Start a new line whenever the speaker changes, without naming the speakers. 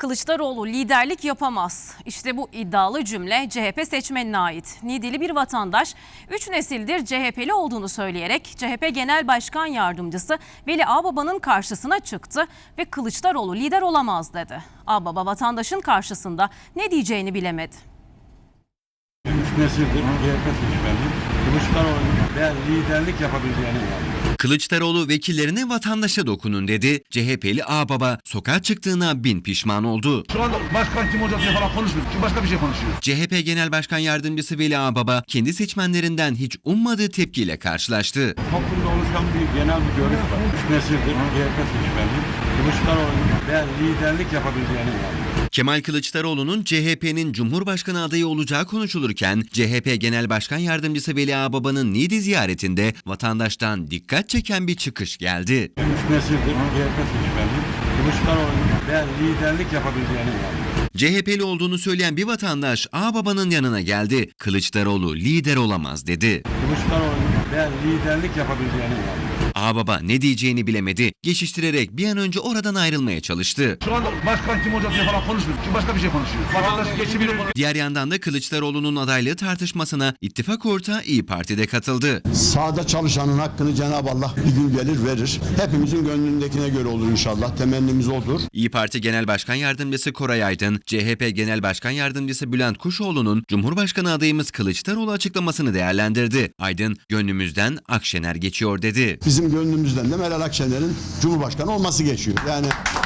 Kılıçdaroğlu liderlik yapamaz. İşte bu iddialı cümle CHP seçmenine ait. Nidili bir vatandaş 3 nesildir CHP'li olduğunu söyleyerek CHP Genel Başkan Yardımcısı Veli Ağbaba'nın karşısına çıktı ve Kılıçdaroğlu lider olamaz dedi. Ağbaba vatandaşın karşısında ne diyeceğini bilemedi.
3 nesildir CHP seçmeniyim. Kılıçdaroğlu'nun ben liderlik yapabileceğine inanıyorum.
Kılıçdaroğlu vekillerine vatandaşa dokunun dedi. CHP'li Ağbaba sokağa çıktığına bin pişman oldu.
Şu anda başkan kim olacak diye falan konuşmuyor. Çünkü başka bir şey konuşuyor.
CHP Genel Başkan Yardımcısı Veli Ağbaba kendi seçmenlerinden hiç ummadığı tepkiyle karşılaştı.
Toplumda oluşan bir genel bir görüş var. 3 nesildir CHP seçmeniyim. Kılıçdaroğlu'nun ben liderlik yapabileceğine inanıyorum.
Kemal Kılıçdaroğlu'nun CHP'nin Cumhurbaşkanı adayı olacağı konuşulurken CHP Genel Başkan Yardımcısı Veli Ağbaba'nın Niğde ziyaretinde vatandaştan dikkat çeken bir çıkış geldi.
3 nesildir CHP seçmeniyim. Kılıçdaroğlu'nun ben liderlik yapabileceğine inanıyorum.
CHP'li olduğunu söyleyen bir vatandaş Ağbaba'nın yanına geldi. Kılıçdaroğlu lider olamaz dedi.
Kılıçdaroğlu'nun ben liderlik yapabileceğine inanıyorum.
Ağbaba ne diyeceğini bilemedi. Geçiştirerek bir an önce oradan ayrılmaya çalıştı.
Şu anda başkan kim olacak diye falan konuşmuyor. Çünkü başka bir şey konuşuyor. Vatandaş geçimini konuşuyor.
Diğer yandan da Kılıçdaroğlu'nun adaylığı tartışmasına ittifak ortağı İYİ Parti'de katıldı.
Sahada çalışanın hakkını Cenab-ı Allah bir gün gelir verir. Hepimizin gönlündekine göre olur inşallah. Temennimiz odur.
İYİ Parti Genel Başkan Yardımcısı Koray Aydın, CHP Genel Başkan Yardımcısı Bülent Kuşoğlu'nun Cumhurbaşkanı adayımız Kılıçdaroğlu açıklamasını değerlendirdi. Aydın, gönlümüzden Akşener geçiyor dedi.
Bizim gönlümüzden de Meral Akşener'in Cumhurbaşkanı olması geçiyor. Yani